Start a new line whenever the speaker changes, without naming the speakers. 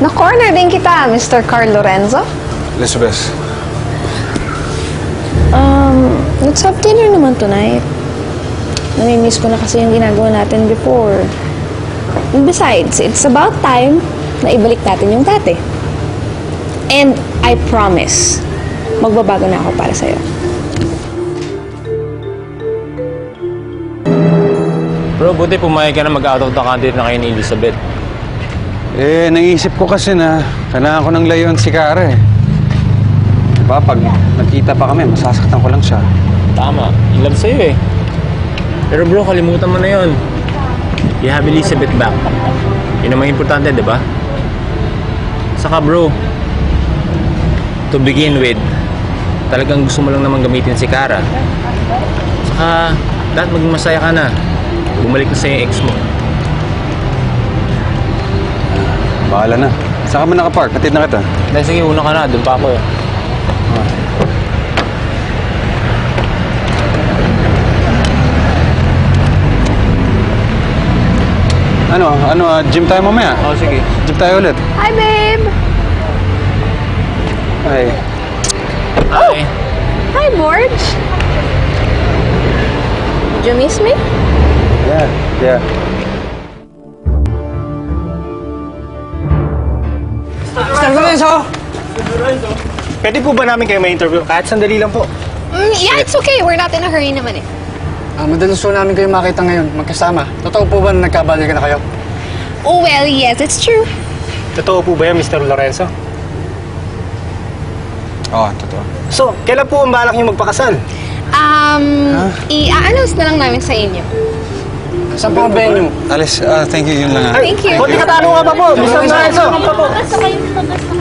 Na-corner din kita, Mr. Carl Lorenzo.
Elizabeth,
Let's have dinner naman tonight. Namimiss ko na kasi yung ginagawa natin before. And besides, it's about time na ibalik natin yung dati. And I promise, magbabago na ako para sa'yo.
Bro, buti pumayag ka na mag-out of the country na kayo ni Elizabeth.
naisip ko kasi na kailangan ko ng layuan si Kara eh. Diba, pag nakita pa kami, masasaktan ko lang siya.
Tama, in love sa'yo eh. Pero bro, kalimutan mo na yun. You have Elizabeth back. Yun ang mga importante, di ba? Saka bro, to begin with, talagang gusto mo lang naman gamitin si Kara. Saka, dapat maging masaya ka na. Bumalik na sa'yo yung ex mo.
Bahala na. Saan ka ba nakapark? Hatid na kita.
Dahil sige, una ka na. Doon pa ako eh.
Gym tayo mamaya.
Oh, sige.
Gym tayo ulit.
Hi, babe!
Ay.
Okay.
Hi, Borge! Did you miss me?
Yeah.
Mr. Lorenzo! Pwede po ba namin kayo ma-interview? Kahit sandali lang po.
Yeah, it's okay. We're not in a hurry naman eh.
Madalas po namin kayo makita ngayon, magkasama. Totoo po ba na nagkabalikan na kayo?
Oh, well, yes, it's true.
Totoo po ba yan, Mr. Lorenzo?
Oo, totoo.
So, kailan po ang balak niyo magpakasal?
I-announce na lang namin sa inyo.
Saan po ang venue?
Alice, thank you, yun lang.
Thank you.
Konti katanungan pa po, Mr. Lorenzo!
Basta kayo, basta kayo.